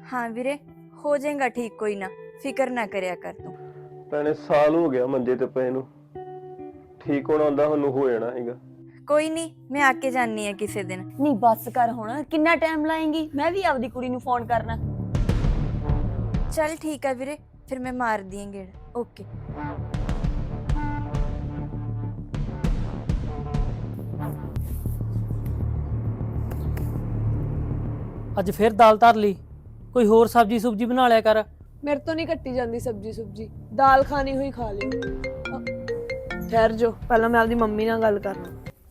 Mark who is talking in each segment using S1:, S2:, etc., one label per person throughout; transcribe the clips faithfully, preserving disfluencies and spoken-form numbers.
S1: हाँ वीरे हो जाएगा ठीक, कोई ना फिक्र ना करया कर तू।
S2: ਭੈਣੇ ਸਾਲ ਹੋ ਗਿਆ ਮੰਜੇ ਤੇ ਪਏ ਨੂੰ, ਠੀਕ ਹੋਣਾ ਹੁੰਦਾ ਸਾਨੂੰ ਹੋ ਜਾਣਾ ਹੈਗਾ।
S1: कोई नहीं मैं आके जानी है किसी दिन।
S3: नहीं बस कर हुण, किन्ना टाइम लाएंगी? मैं भी आपदी कुड़ी नूं फोन करना।
S1: चल ठीक है वीरे, फिर मैं मार दी गेड़। ओके
S4: ਅੱਜ ਫਿਰ ਦਾਲ ਧਰ ਲਈ, ਕੋਈ ਹੋਰ ਸਬਜੀ ਸੁਬਜੀ ਬਣਾ ਲਿਆ ਕਰ।
S5: मेरे तो नहीं कट्टी जाती सब्जी सुब्जी, दाल खानी हुई खा लियो। ठहर जो, पहला मैं आपदी मम्मी नाल गल करना।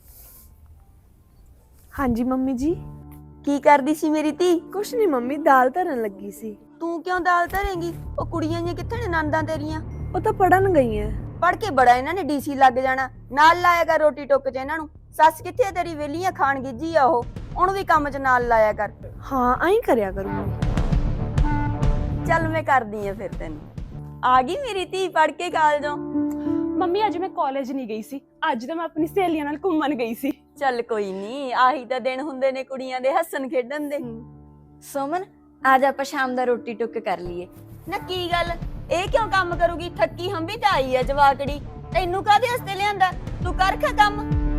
S5: हाँ जी मम्मी जी।
S3: की करदी सी मेरी धी?
S5: कुछ नहीं मम्मी, दाल धरन लगी सी।
S3: तू क्यों दाल धरेंगी? ओ कुड़ियां जी कित्थे ने नंदां तेरियां?
S5: वो तो पढ़न गई है।
S3: पढ़ के बड़ा इन्हां ने डीसी लग जाना, नाल लाया कर रोटी टुक च इन्हां नूं। सस कित्थे तेरी वेलियां खान गिज्जी आ, ओह ओहनूं भी काम च नाल लाया कर।
S5: हाँ आई करया करूंगी।
S3: चल मैं कर दी है फिर तेन। आ गई मेरी धी पढ़ के कॉलेजों?
S6: ਮੰਮੀ ਅੱਜ ਮੈਂ ਕਾਲਜ ਨਹੀਂ ਗਈ ਸੀ, ਅੱਜ ਤਾਂ ਮੈਂ ਆਪਣੀ ਸਹੇਲੀਆਂ ਨਾਲ ਘੁੰਮਣ ਗਈ ਸੀ।
S3: ਚੱਲ ਕੋਈ ਨਹੀਂ, ਆਹੀ ਤਾਂ ਦਿਨ ਹੁੰਦੇ ਨੇ ਕੁੜੀਆਂ ਦੇ ਹੱਸਣ ਖੇਡਣ ਦੇ।
S1: सोमन आज आप शाम दा रोटी टुक कर लिए।
S3: ਨਾ ਕੀ ਗੱਲ, ਇਹ ਕਿਉਂ ਕੰਮ ਕਰੂਗੀ? ਥੱਕੀ ਹੰਬੀ ਤਾਂ ਆਈ ਐ ਜਵਾਕੜੀ, ਤੈਨੂੰ ਕਾਹਦੇ ਹੱਸਤੇ ਲਿਆਂਦਾ? ਤੂੰ ਕਰ ਖਾ ਕੰਮ।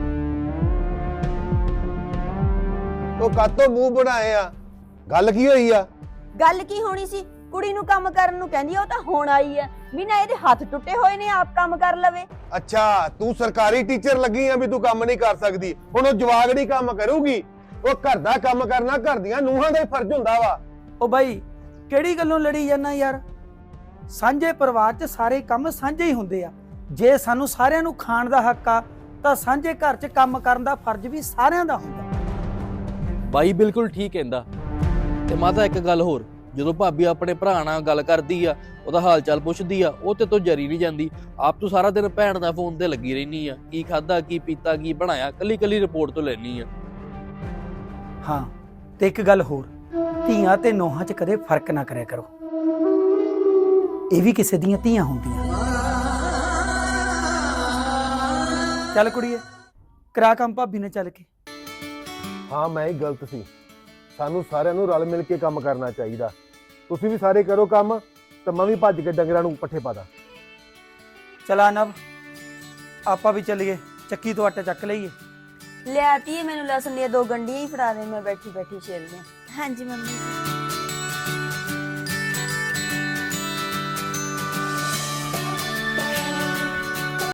S7: ਉਹ ਕਾਤੋਂ ਮੂੰਹ ਬਣਾਏ ਆ? ਗੱਲ ਕੀ ਹੋਈ ਆ?
S3: ਗੱਲ ਕੀ ਹੋਣੀ ਸੀ? ਕੁੜੀ ਨੂੰ ਕੰਮ ਕਰਨ ਨੂੰ ਕਹਿੰਦੀ, ਉਹ ਤਾਂ ਹੁਣ ਆਈ ਐ। ਬਿਨਾਂ ਇਹਦੇ ਹੱਥ ਟੁੱਟੇ ਹੋਏ ਨੇ, ਆਪ ਕੰਮ ਕਰ ਲਵੇ।
S7: ਅੱਛਾ ਤੂੰ ਸਰਕਾਰੀ ਟੀਚਰ ਲੱਗੀ ਆ ਵੀ ਤੂੰ ਕੰਮ ਨਹੀਂ ਕਰ ਸਕਦੀ? ਹੁਣ ਉਹ ਜਵਾਗੜੀ ਕੰਮ ਕਰੂਗੀ? ਉਹ ਘਰ ਦਾ ਕੰਮ ਕਰਨਾ ਘਰ ਦੀਆਂ ਨੂੰਹਾਂ ਦਾ ਹੀ ਫਰਜ਼ ਹੁੰਦਾ ਵਾ।
S8: ਉਹ ਬਾਈ ਕਿਹੜੀ ਗੱਲੋਂ ਲੜੀ ਜਾਂਦਾ ਯਾਰ? ਸਾਂਝੇ ਪਰਿਵਾਰ 'ਚ ਸਾਰੇ ਕੰਮ ਸਾਂਝੇ ਹੀ ਹੁੰਦੇ ਆ। ਜੇ ਸਾਨੂੰ ਸਾਰਿਆਂ ਨੂੰ ਖਾਣ ਦਾ ਹੱਕ ਆ ਤਾਂ ਸਾਂਝੇ ਘਰ 'ਚ ਕੰਮ ਕਰਨ ਦਾ ਫਰਜ਼ ਵੀ ਸਾਰਿਆਂ ਦਾ ਹੁੰਦਾ।
S9: ਬਾਈ ਬਿਲਕੁਲ ਠੀਕ ਕਹਿੰਦਾ। ਤੇ ਮਾਤਾ ਇੱਕ ਗੱਲ ਹੋਰ, ਜਦੋਂ ਭਾਬੀ ਆਪਣੇ ਭਰਾ ਨਾਲ ਗੱਲ ਕਰਦੀ ਆ, ਉਹਦਾ ਹਾਲ ਚਾਲ ਪੁੱਛਦੀ ਆ, ਉਹ ਤੇ ਤੋਂ ਜਰੀ ਨਹੀਂ ਜਾਂਦੀ। ਆਪ ਤੂੰ ਸਾਰਾ ਦਿਨ ਭੈਣ ਦਾ ਫੋਨ ਤੇ ਲੱਗੀ ਰਹਿਨੀ ਆ, ਕੀ ਖਾਦਾ ਕੀ ਪੀਤਾ ਕੀ ਬਣਾਇਆ, ਕੱਲੀ ਕੱਲੀ ਰਿਪੋਰਟ ਤੋਂ ਲੈਣੀ ਆ।
S8: ਹਾਂ ਤੇ ਇੱਕ ਗੱਲ ਹੋਰ, ਧੀਆਂ ਤੇ ਨੋਹਾਂ 'ਚ ਕਦੇ ਫਰਕ ਨਾ ਕਰਿਆ ਕਰੋ, ਇਹ ਵੀ ਕਿਸੇ ਦੀਆਂ ਧੀਆਂ ਹੁੰਦੀਆਂ। ਚੱਲ ਕੁੜੀਏ ਕਰਾ ਕੰਮ ਭਾਬੀ ਨੇ ਚੱਲ ਕੇ।
S7: ਹਾਂ ਮੈਂ ਹੀ ਗਲਤ ਸੀ, ਸਾਨੂੰ ਸਾਰਿਆਂ ਨੂੰ ਰਲ ਮਿਲ ਕੇ ਕੰਮ ਕਰਨਾ ਚਾਹੀਦਾ। ਤੁਸੀਂ ਵੀ ਸਾਰੇ ਕਰੋ ਕੰਮ ਤੇ ਮੈਂ ਵੀ ਭੱਜ ਕੇ ਡੰਗਰਾਂ ਨੂੰ ਪੱਠੇ ਪਾ ਦਾਂ।
S8: ਚਲਾ ਨਵ ਆਪਾਂ ਵੀ ਚੱਲੀਏ, ਚੱਕੀ ਤੋਂ ਆਟਾ ਚੱਕ ਲਈਏ।
S3: ਲਿਆਤੀ ਮੈਨੂੰ ਲਸਣ ਦੀਆਂ ਦੋ ਗੰਢੀਆਂ ਹੀ ਫੜਾ ਦੇ, ਮੈਂ ਬੈਠੀ ਬੈਠੀ ਛਿਲ ਦਿਆਂ।
S1: हाँ जी मम्मी।